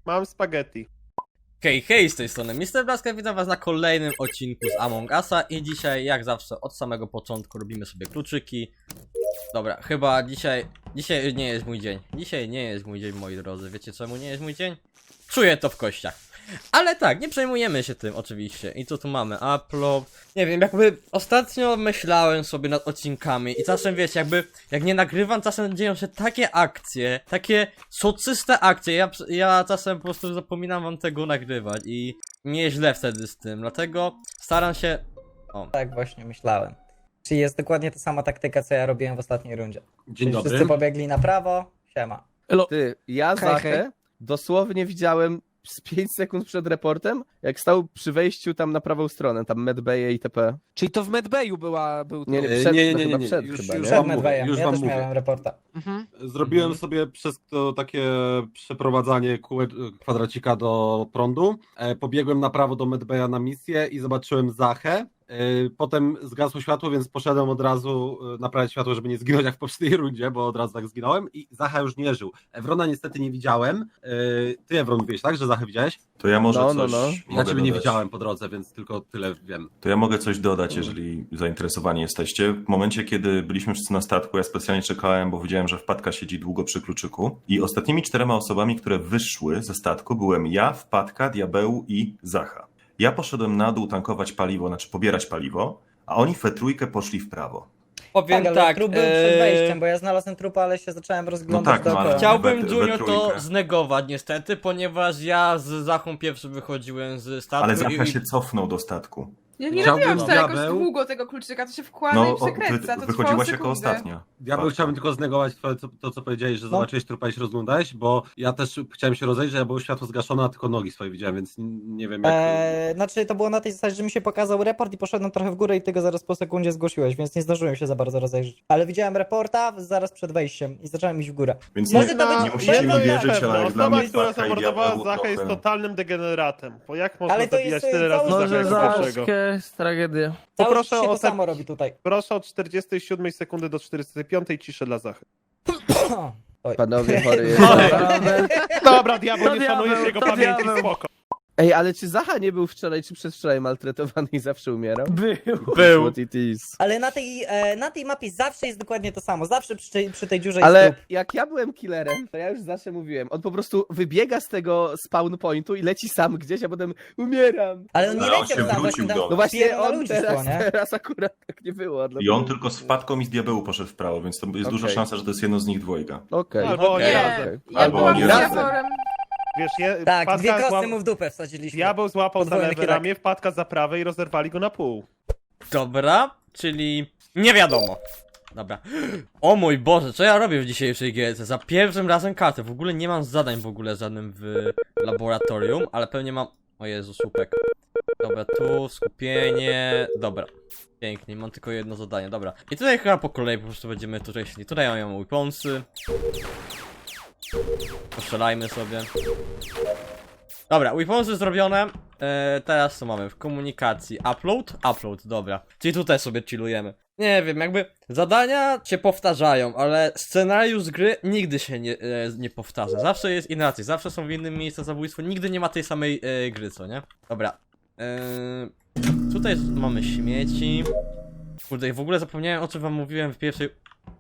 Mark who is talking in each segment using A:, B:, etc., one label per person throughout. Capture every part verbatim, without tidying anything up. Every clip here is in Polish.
A: Mam spaghetti.
B: Hej, hej, z tej strony mister Blaska, witam was na kolejnym odcinku z Among Usa i dzisiaj, jak zawsze, od samego początku robimy sobie kluczyki. Dobra, chyba dzisiaj, dzisiaj nie jest mój dzień. Dzisiaj nie jest mój dzień, moi drodzy. Wiecie czemu nie jest mój dzień? Czuję to w kościach. Ale tak, nie przejmujemy się tym oczywiście. I co tu mamy? Upload. Nie wiem, jakby ostatnio myślałem sobie nad odcinkami i czasem wiecie, jakby jak nie nagrywam, czasem dzieją się takie akcje, takie soczyste akcje. Ja, ja czasem po prostu zapominam wam tego nagrywać i mnie źle wtedy z tym, dlatego staram się... O.
C: Tak właśnie myślałem. Czyli jest dokładnie ta sama taktyka, co ja robiłem w ostatniej rundzie.
D: Dzień
C: Czyli
D: dobry.
C: wszyscy pobiegli na prawo, siema.
E: Ty, ja
C: Hej,
E: Zachę
C: hej.
E: dosłownie widziałem z pięć sekund przed reportem, jak stał przy wejściu tam na prawą stronę, tam medbaye i itp.
F: Czyli to w Medbayu była, był
E: Nie, nie,
D: E,
E: przed,
D: nie, nie,
E: no
D: nie,
E: chyba
D: nie,
E: przed
D: już-
E: chyba,
D: już
E: nie?
C: Przed
D: wam mówię,
C: Medbayem,
D: już
C: ja
D: wam
C: też
D: mówię.
C: miałem reporta.
F: Mhm.
D: Zrobiłem
E: Mhm.
D: sobie przez to takie przeprowadzanie kółe, kwadracika do prądu. E, pobiegłem na prawo do Medbaya na misję i zobaczyłem Zachę. E, potem zgasło światło, więc poszedłem od razu e, naprawiać światło, żeby nie zginąć jak w poprzedniej rundzie, bo od razu tak zginąłem i Zacha już nie żył. Ewrona niestety nie widziałem. E, ty, Ewron, mówiłeś, tak, że Zachę widziałeś?
G: To ja może
E: No, no,
G: coś
E: no.
D: Ja
G: mogę
D: ciebie nie
G: dodać.
D: widziałem po drodze, więc tylko tyle wiem.
G: To ja mogę coś dodać, jeżeli zainteresowani jesteście. W momencie, kiedy byliśmy wszyscy na statku, ja specjalnie czekałem, bo widziałem, że wpadka siedzi długo przy kluczyku. I ostatnimi czterema osobami, które wyszły ze statku, byłem ja, wpadka, diabeł i Zacha. Ja poszedłem na dół tankować paliwo, znaczy pobierać paliwo, a oni we trójkę poszli w prawo.
B: Powiem
C: Tak, ale
B: tak,
C: trup był przed
B: e,
C: wejściem, bo ja znalazłem trupa, ale się zacząłem rozglądać
G: tak, no,
C: dookoła.
G: ale-
B: Chciałbym,
G: We- we
B: Junior, to
G: trójkę.
B: znegować niestety, ponieważ ja z Zachą pierwszy wychodziłem z statku
G: Ale
B: i...
G: Zacha się cofnął do statku.
H: Ja nie
D: Chciałbym
H: robiłam tutaj jakoś
D: diabeł-
H: długo tego kluczyka, to się wkłada
G: No,
H: i
G: o,
H: przekręca,
G: wy,
H: to
G: wychodziłaś
H: trwało
G: jako
H: sekundę.
G: ostatnia.
D: Diabeł,
G: Tak.
D: chciałbym tylko znegować to, co, to, co powiedziałeś, że
C: No.
D: zobaczyłeś trupa i się rozglądałeś, bo ja też chciałem się rozejrzeć, a było światło zgaszone, a tylko nogi swoje widziałem, więc n- nie wiem jak...
C: Eee, znaczy to było na tej zasadzie, że mi się pokazał report i poszedłem trochę w górę i ty go zaraz po sekundzie zgłosiłeś, więc nie zdążyłem się za bardzo rozejrzeć. Ale widziałem reporta zaraz przed wejściem i zacząłem iść w górę.
G: Więc
C: Może
G: nie,
C: to być-
G: nie musicie mi
C: jedno
G: wierzyć,
A: Pewno,
G: ale jak dla
A: osoba,
G: mnie
A: która
G: wpadka i
A: zamordowała
G: diabeł
A: Zachę, jest
G: trochę...
A: totalnym degeneratem. Bo jak można
C: Ale to
A: zabijać
C: jest,
A: tyle
C: y,
A: razy
C: cały
A: Zachę
C: czas
A: jako
C: za-
A: pierwszego?
F: jest tragedia.
C: Cały
A: Poproszę
C: czas się
A: o
C: to
A: te-
C: samo robi tutaj.
A: Proszę od czterdziestej siódmej sekundy do czterdziestej piątej ciszę dla Zachy.
C: Oj.
E: Panowie chory jest.
A: Dobra, diabeł,
F: To
A: nie
F: diabeł,
A: szanujesz jego
F: to
A: pamięci,
F: diabeł.
A: spoko.
E: Ej, ale czy Zacha nie był wczoraj czy przedwczoraj maltretowany i zawsze umierał?
F: Był.
B: Był.
E: What it is.
C: Ale na tej, e, na tej mapie zawsze jest dokładnie to samo, zawsze przy, tej- przy tej dziurze jest
E: Ale
C: trup.
E: jak ja byłem killerem, to ja już zawsze mówiłem, on po prostu wybiega z tego spawn pointu i leci sam gdzieś, a potem umieram.
C: Ale on nie
G: Ale on
C: leciał
G: się
C: sam,
G: wrócił
C: właśnie
G: do-
C: tam
E: No właśnie
C: wpierw na
E: on
C: ludzi
E: teraz,
C: szło, nie?
E: teraz akurat tak nie było.
G: I
E: dlatego-
G: on tylko z wpadką i z diabełu poszedł w prawo, więc to jest
E: Okej.
G: duża szansa, że to jest jedno z nich dwojga.
E: Okej.
A: Albo oni
C: Okej.
A: razem.
H: Ja
G: Albo
H: byłam
G: oni
H: z
E: razem.
H: Jaworem.
A: Wiesz, je,
C: Tak,
A: wpadka
C: dwie kosty
A: zła-
C: mu w dupę wsadziliśmy.
A: Diabeł złapał za
C: Podwójny
A: lewe
C: kierak.
A: ramię, wpadka za prawe i rozerwali go na pół.
B: Dobra, czyli nie wiadomo. Dobra. O mój Boże, co ja robię w dzisiejszej gierce? Za pierwszym razem kartę. W ogóle nie mam zadań w ogóle żadnym w laboratorium, ale pewnie mam... O Jezu, słupek. Dobra, tu, skupienie... Dobra. Pięknie, mam tylko jedno zadanie, dobra. I tutaj chyba po kolei po prostu będziemy tutaj szli. Tutaj mają weaponsy. Postrzelajmy sobie. Dobra, weaponsy zrobione. Eee, teraz co mamy? W komunikacji. Upload? Upload, dobra. Czyli tutaj sobie chillujemy. Nie wiem, jakby zadania się powtarzają, ale scenariusz gry nigdy się nie, e, nie powtarza. Zawsze jest inaczej, zawsze są w innym miejscu zabójstwo, nigdy nie ma tej samej e, gry, co nie? Dobra. Eee, tutaj mamy śmieci. Kurde, w ogóle zapomniałem, o czym wam mówiłem w pierwszej...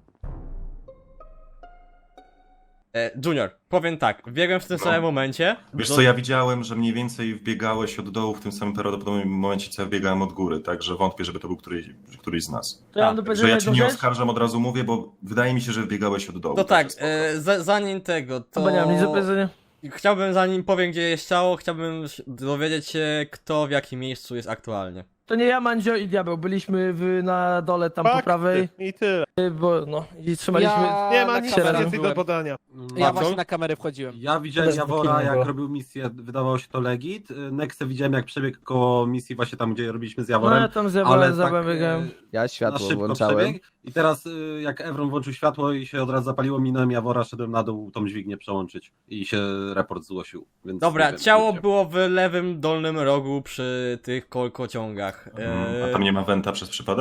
B: E, Junior, powiem tak, biegłem w tym
G: No.
B: samym momencie.
G: Wiesz
B: do-
G: co, ja widziałem, że mniej więcej wbiegałeś od dołu w tym samym prawdopodobnym momencie, co ja wbiegałem od góry, także wątpię, żeby to był któryś, któryś z nas.
F: To ja mam
B: A,
F: do
G: Że
F: powiedzenia
G: ja cię
F: jedną
G: nie
F: rzecz.
G: oskarżam, od razu mówię, bo wydaje mi się, że wbiegałeś od dołu.
B: No tak,
G: także spoko.
B: e, za, zanim tego, to...
F: Bo nie mam nic do powiedzenia.
B: Chciałbym, zanim powiem, gdzie jest ciało, chciałbym ś- dowiedzieć się, kto w jakim miejscu jest aktualnie.
F: To nie ja, Mandzio i Diabeł. Byliśmy w, na dole tam po
A: Fakty.
F: prawej,
A: I tyle.
F: bo no i trzymaliśmy...
I: Ja
A: Nie ma
I: na
A: nic
F: kamerę
A: więcej do
I: byłem.
A: podania.
I: Ja
B: Bardzo?
I: właśnie na kamerę wchodziłem.
D: Ja widziałem
C: Też
D: Jawora,
C: bikini
D: jak
C: było.
D: robił misję, wydawało się to legit. Nexę widziałem, jak przebiegł koło misji właśnie tam, gdzie robiliśmy z
F: No
D: Jaworem.
F: ja tam z
D: ale
F: Diabełem, z
D: tak
F: Diabełem biegałem.
D: e,
E: Ja
D: na
E: światło
D: szybko
E: włączałem.
D: przebiegł. I teraz y, jak Evron włączył światło i się od razu zapaliło, minąłem Jawora, szedłem na dół tą dźwignię przełączyć i się report zgłosił. Więc
B: Dobra,
D: nie wiem,
B: ciało
D: gdzie.
B: było w lewym dolnym rogu przy tych kolkociągach.
G: Mhm.
B: E,
G: A tam nie ma wenta przez przypadek?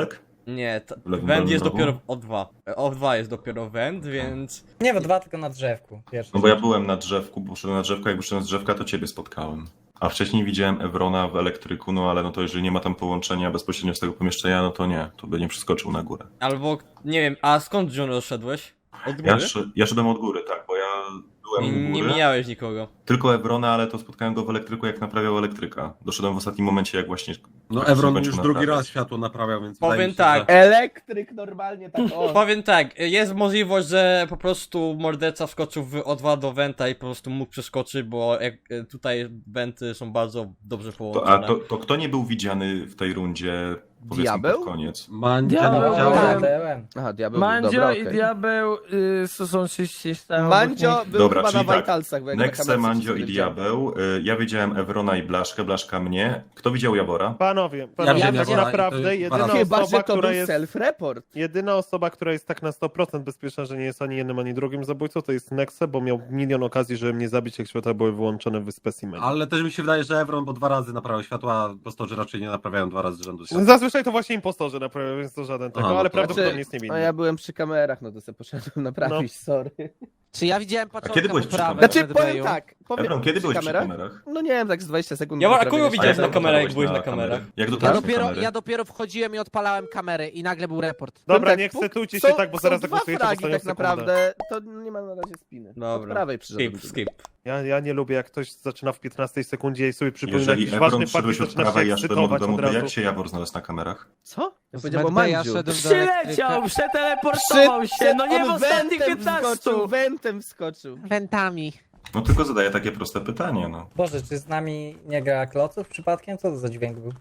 B: Nie, to,
G: W lewym
B: węd
G: dolnym
B: jest
G: rogu?
B: dopiero w O dwa. O dwa jest dopiero węd, więc...
C: Nie w dwa, tylko na drzewku. Pierwszy.
G: No bo ja byłem na drzewku, bo szedłem na drzewko, jak wyszedłem z drzewka, to ciebie spotkałem. A wcześniej widziałem Evrona w elektryku, no ale no to jeżeli nie ma tam połączenia bezpośrednio z tego pomieszczenia, no to nie, to by nie przeskoczył na górę.
B: Albo, nie wiem, a skąd Junior szedłeś? Od góry?
G: Ja, sz- ja szedłem od góry, tak, bo ja byłem u
B: Nie, nie
G: góry,
B: mijałeś nikogo.
G: tylko Evrona, ale to spotkałem go w elektryku, jak naprawiał elektryka. Doszedłem w ostatnim momencie, jak właśnie...
D: No
G: praktycznie
D: Evron
G: kończył
D: już drugi
G: naprawiać.
D: raz światło naprawiał, więc
B: Powiem
D: wydaje mi się,
B: tak,
D: że...
E: Elektryk normalnie tak o.
B: Powiem tak, jest możliwość, że po prostu morderca wskoczył w O dwa do Wenta i po prostu mógł przeskoczyć, bo jak, e, tutaj Wenty są bardzo dobrze
G: To,
B: połączone.
G: a to, to kto nie był widziany w tej rundzie, powiedzmy
E: Diabeł?
G: pod koniec?
D: Mandzia
F: Diabeł,
D: nie widziałem.
F: tak.
C: Byłem.
E: Aha, diabeł.
F: Mandzio
E: dobra,
F: i
E: okej.
F: Diabeł y, to są czyści tam.
E: Mandzio był
G: Dobra,
E: chyba na
G: czyli tak.
E: Vitalsach, bo jak na
G: Nexe,
E: kamerce
G: Mandzio
E: się
G: i
E: widziałem.
G: Diabeł. Y, Ja wiedziałem Evrona i Blaszkę, Blaszka mnie. Kto widział Jawora?
A: Panowie, panowie
F: Ja
A: tak
F: widziałem,
A: naprawdę
D: to jest
A: jedyna
D: dwa razy.
E: Chyba,
A: osoba,
E: że to
A: która
E: był
A: jest...
E: self-report.
A: Jedyna osoba, która jest tak na sto procent bezpieczna, że nie jest ani jednym, ani drugim zabójcą, to jest Nexe, bo miał milion okazji, żeby mnie zabić, jak światła były wyłączone w specimenie.
D: Ale też mi się wydaje, że Evron, bo dwa razy naprawiał światła, impostorzy raczej nie naprawiają dwa razy z rzędu światła.
A: Zazwyczaj to właśnie impostorzy naprawiają, więc to żaden tego,
D: Aha, no
A: ale
D: to-
A: prawdopodobnie jest
E: No
A: niewinny.
E: ja byłem przy kamerach, no to sobie poszedłem naprawić, sorry.
I: Czy ja widziałem
G: kiedy
I: paczolka
G: byłeś przy
I: poprawę
G: kamerach?
E: Znaczy,
I: w
E: powiem
I: Medbayu?
E: tak, powiem
G: Evron, kiedy
E: przy
G: byłeś
E: kamerach?
G: przy kamerach?
E: No nie wiem, tak z dwadzieścia sekund.
B: Ja, a
E: naprawiłem
B: kogo
E: się.
B: widziałeś
G: A
B: na
G: jak
B: kamerach, jak
G: dotarłeś
B: byłeś na
G: kamery?
B: kamerach?
G: Jak
I: Ja
G: dotarłeś do
I: dopiero,
G: kamery?
I: ja dopiero wchodziłem i odpalałem kamerę i nagle był report.
A: Dobra,
E: tak,
A: nie
E: puk-
A: ekscytujcie
E: są-
A: się tak, bo zaraz
E: są dwa
A: zagłosujecie w
E: fragi
A: ostatnią
E: tak
A: sekundę.
E: naprawdę, to nie ma na razie spiny. Od
B: Dobra.
E: prawej przyszedłem.
B: Skip, skip.
A: Ja, ja nie lubię, jak ktoś zaczyna w piętnastej sekundzie i sobie przypomina
G: Jeżeli
A: jakiś
G: Evron
A: ważny fakt i
G: przyszedłeś od
A: zaczyna
G: prawa
A: się
G: i ja szedłem od
A: ekscytować
G: domu,
A: od
G: to
A: razu.
G: jak się Jawor znalazł na kamerach?
E: Co? Ja
I: Z
E: powiedziałem o
I: Medbaya
E: Mandziu.
I: szedłem do
F: Przyleciał,
I: elektryka.
F: przeteleportował się, no nie w
E: on
F: ostatnich
E: wentem
F: piętnastu.
E: wskoczył, wentem wskoczył.
I: Wentami.
G: No tylko zadaję takie proste pytanie, no.
C: Boże, czy z nami nie gra kloców przypadkiem? Co to za dźwięk był?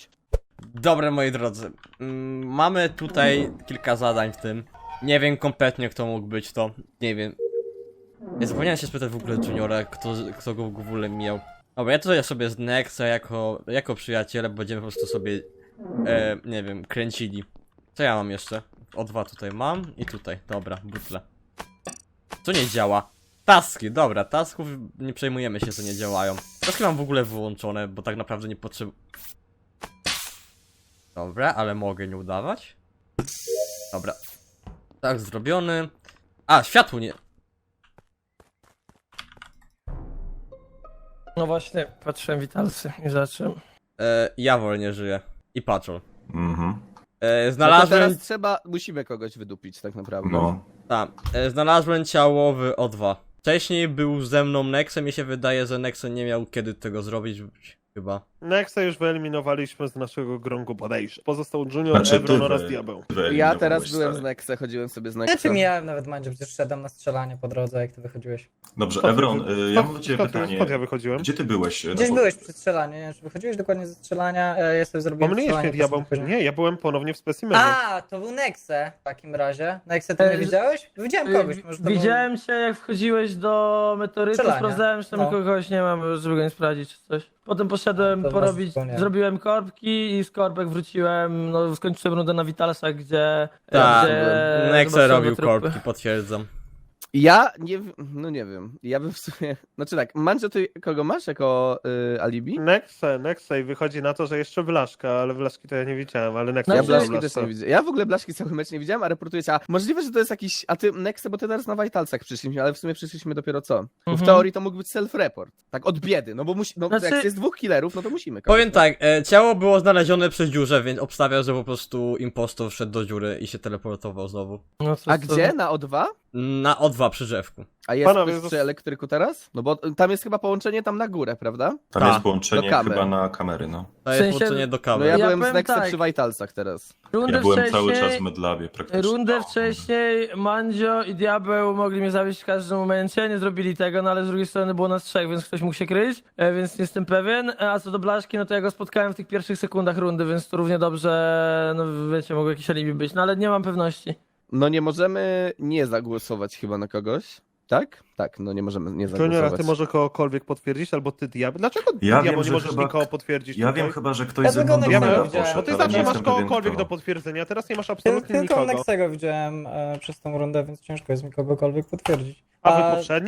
B: Dobra, moi drodzy. Mm, mamy tutaj kilka zadań w tym. Nie wiem kompletnie, kto mógł być to. Nie wiem. Ja zapomniałem się spytać w ogóle Juniora, kto, kto go w ogóle miał. Dobra, ja tutaj sobie z Nexa jako, jako przyjaciele będziemy po prostu sobie, e, nie wiem, kręcili. Co ja mam jeszcze? O dwa tutaj mam i tutaj. Dobra, butle. Co nie działa? Taski, dobra, tasków nie przejmujemy się, co nie działają. Taski mam w ogóle wyłączone, bo tak naprawdę nie potrzebuję. Dobra, ale mogę nie udawać. Dobra. Tak, zrobiony. A, światło nie.
F: No właśnie, patrzyłem Witalsy i zacząłem.
B: E, Jawor nie żyje. I Patrol.
G: Mhm.
B: E,
E: No to
B: znalazłem.
E: teraz trzeba, musimy kogoś wydupić tak naprawdę.
G: No.
B: Tak, e, znalazłem ciało w O dwa. Wcześniej był ze mną Nexem, mi się wydaje, że Nexem nie miał kiedy tego zrobić. Chyba.
A: Nexa już wyeliminowaliśmy z naszego grągu podejść. Pozostał Junior,
G: Znaczy, ty
A: Evron
G: wy-
A: oraz Diabeł.
E: Ja
G: wyeliminowałeś,
E: teraz byłem z
G: stary.
E: Nexe, chodziłem sobie z
C: Ja
E: Nexe.
C: czy miałem nawet Mandzio, przecież szedłem na strzelanie po drodze, jak ty wychodziłeś.
G: Dobrze,
A: Skąd-
G: Evron, y, ja mam do ciebie
A: skąd-
G: pytanie.
A: Skąd ja wychodziłem?
G: Gdzie ty byłeś? y,
C: Gdzieś
G: no bo-
C: byłeś przy strzelaniu, nie wiem, czy wychodziłeś dokładnie ze strzelania, e, ja sobie zrobiłem
A: Pomyliłeś mnie,
C: strzelanie.
A: Diabeł.
C: potem
A: Nie, ja byłem ponownie w specimenie.
C: A, to był Nexe w takim razie. Nexe, ty
F: E,
C: mnie widziałeś? Widziałem kogoś, może to był...
F: Widziałem cię, jak wchodziłeś do meteorytu,
C: Strzelania.
F: sprawdzałem, czy tam
C: No.
F: kogoś nie mam, żeby go nie sprawdzić czy coś. Potem poszedłem
C: To
F: porobić,
C: was nie.
F: zrobiłem korbki i z korbek wróciłem, no skończyłem rundę na Witalsach, gdzie...
B: Tak,
F: gdzie
B: Nexe
F: zobaczyłem
B: robił
F: trupy.
B: korbki, potwierdzam.
E: Ja nie w- no nie wiem, ja bym w sumie, znaczy tak, Mandzio, ty kogo masz jako y, alibi?
A: Nexe, Nexe i wychodzi na to, że jeszcze Blaszka, ale Blaszki to ja nie widziałem, ale Nexe
F: No
E: Ja
F: Znaczy-
E: Blaszki
A: Blaszka.
E: też nie widzę. Ja w ogóle Blaszki cały mecz nie widziałem, a reportuję cię. A możliwe, że to jest jakiś. A ty Nexe, bo ty teraz na Vitalsach przyszliśmy, ale w sumie przyszliśmy dopiero co? Bo w
F: Mhm.
E: teorii to mógł być self-report. Tak od biedy, no bo musi. No
F: Znaczy-
E: jak jest dwóch killerów, no to musimy. kogoś,
B: Powiem
E: no.
B: tak, e, ciało było znalezione przy dziurze, więc obstawiam, że po prostu impostor wszedł do dziury i się teleportował znowu.
F: No, co-
E: A
F: co-
E: gdzie? Na O dwa?
B: Na O dwa przy drzewku.
E: A jest
A: Panowie,
E: ktoś
A: zas-
E: przy elektryku teraz? No bo tam jest chyba połączenie tam na górę, prawda?
G: Tam
F: Tak.
G: jest połączenie
E: Do kamer.
G: chyba na kamery, no.
B: To jest
F: W sensie-
B: połączenie do
E: No
B: kamery.
E: ja,
F: Ja
E: byłem z
F: powiem
E: Nexe
F: tak.
E: przy Vitalsach teraz.
F: Rundę
G: Ja byłem
F: wcześniej...
G: cały czas w Medlabie praktycznie.
F: Rundę
G: No.
F: wcześniej Mandzio i Diabeł mogli mnie zabić w każdym momencie, nie zrobili tego, no ale z drugiej strony było nas trzech, więc ktoś mógł się kryć, e, więc nie jestem pewien. A co do Blaszki, no to ja go spotkałem w tych pierwszych sekundach rundy, więc to równie dobrze, no wiecie, mogło jakieś alibi być, no ale nie mam pewności.
E: No nie możemy nie zagłosować chyba na kogoś. Tak? Tak, no nie możemy nie
A: Junior, a
E: zagłosować.
A: ty może kogokolwiek potwierdzić, albo ty Diabeł? Dlaczego
G: Ja
A: Diabeł
G: wiem,
A: nie
G: że
A: możesz
G: chyba-
A: nikogo potwierdzić
G: Ja
A: tutaj?
G: wiem chyba, że ktoś
C: Ja
G: ze
C: tego
G: mną do
C: Nexego
G: mega
C: widziałem.
G: poszedł,
A: Bo ty
G: ale
A: zawsze
G: nie
A: masz
G: jestem pewien,
A: kogokolwiek
G: kto.
A: do potwierdzenia, teraz nie masz
C: Tyl-
A: absolutnie
C: Tylko
A: nikogo.
C: Nexego widziałem e, przez tą rundę, więc ciężko jest mi kogokolwiek potwierdzić.
A: A wy poprzedniej?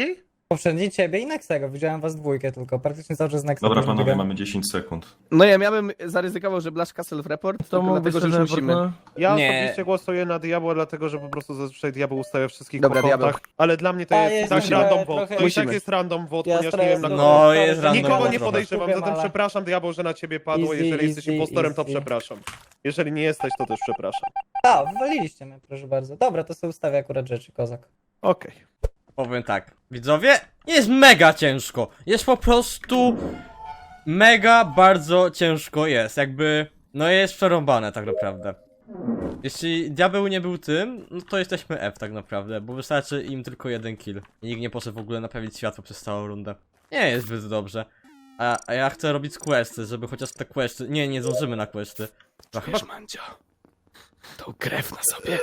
C: Poprzedni ciebie i Nexego, widziałem was dwójkę tylko, praktycznie cały czas Nexa.
G: Dobra
C: też
G: panowie,
C: biegałem.
G: mamy dziesięć sekund.
E: No ja, ja bym zaryzykował, że Blaszka self-report,
F: To
E: tylko
F: mógłby
E: dlatego, że już
F: sobie
E: musimy.
F: no.
A: Ja
B: Nie.
A: osobiście głosuję na Diabła, dlatego że po prostu zazwyczaj Diabeł ustawia wszystkich
E: Dobra,
A: po kontach,
E: Diabeł.
A: ale dla mnie to
C: A,
A: jest
C: jest
A: tak
C: trochę-
A: random vote.
C: trochę-
A: To i tak
E: Musimy.
A: jest random vote,
C: Ja
A: ponieważ
C: trochę
A: nie wiem na
C: jestem-
A: kogo.
B: No,
C: sorry,
B: jest
C: że
B: random
A: Nikogo
B: vote
A: nie
B: trochę.
A: podejrzewam,
C: Wiem,
A: zatem
C: ale-
A: przepraszam Diabeł, że na ciebie padło.
C: Easy,
A: Jeżeli jesteś
C: easy,
A: impostorem, to
C: easy.
A: przepraszam. Jeżeli nie jesteś, to też przepraszam.
C: A, wywaliliście mnie, proszę bardzo. Dobra, to sobie ustawię akurat rzeczy, kozak.
A: Okej.
B: Powiem tak, widzowie, jest mega ciężko. Jest po prostu mega bardzo ciężko jest, jakby no jest przerąbane tak naprawdę. Jeśli Diabeł nie był tym, no to jesteśmy F tak naprawdę, bo wystarczy im tylko jeden kill. I nikt nie poszedł w ogóle naprawić światło przez całą rundę. Nie jest zbyt dobrze. A, a ja chcę robić questy, żeby chociaż te questy... Nie, nie zdążymy na questy. No, chyba...
E: Mandzio, tą krew na sobie.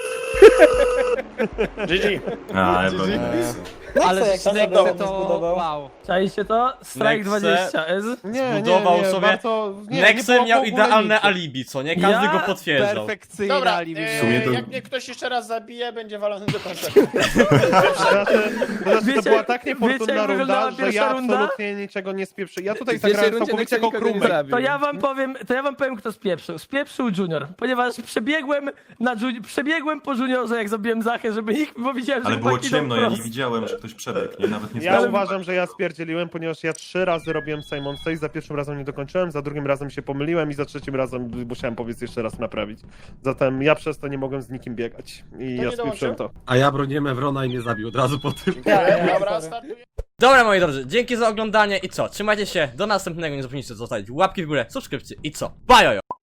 G: A, ja bronię.
I: Ale
C: jak
I: że
C: się
I: Nexe
C: to
I: to...
C: zbudował?
I: Wow.
F: Czajcie to? Strike
B: Nexe.
F: dwadzieścia S.
A: Nie, nie,
B: Zbudował
A: nie,
B: sobie-
A: bardzo... Nie,
B: Nexe
A: nie było
B: miał
A: w ogóle
B: idealne
A: nic.
B: alibi, co nie? Każdy
F: Ja
B: go potwierdzał.
I: Perfekcyjna
J: Dobra,
I: alibi.
J: e,
G: W sumie to-
J: jak mnie ktoś jeszcze raz zabije, będzie walony do końca.
A: To znaczy, to, znaczy, to
F: Wiecie-
A: była tak
F: wiecie,
A: niefortunna
F: jak wyglądała
A: runda, że ja
F: pierwsza runda?
A: absolutnie niczego nie spieprzę. Ja tutaj
E: W pierwszej
A: zagrałem
E: rundzie
A: całkowicie
E: Nexe
A: jako
E: nikogo nie
A: krumek.
E: zabił.
F: To ja wam powiem, to ja wam powiem kto spieprzył. Spieprzył Junior, ponieważ przebiegłem na Juni- przebiegłem po Juniorze jak zabiłem Zachę, żeby nikt, bo widziałem, że
G: Ale było
F: chłopaki idą
G: ciemno, ja nie
F: wprost.
G: widziałem, że ktoś przebiegł, nie? Nawet nie
A: Ja
G: zdążyłem.
A: uważam, że ja spierdzieliłem, ponieważ ja trzy razy robiłem Simon Says, za pierwszym razem nie dokończyłem, za drugim razem się pomyliłem i za trzecim razem musiałem powiedz jeszcze raz naprawić. Zatem ja przez to nie mogłem z nikim biegać i
J: To
A: ja
J: nie
A: spieprzyłem
J: dołączył?
A: to.
D: A ja broniłem Evrona i mnie zabił od razu po tym.
C: Ja, ja,
J: Dobra,
C: sorry.
J: startuję.
B: Dobra moi drodzy, dzięki za oglądanie i co? Trzymajcie się, do następnego, nie zapomnijcie zostawić łapki w górę, subskrypcje i co? Bajojo!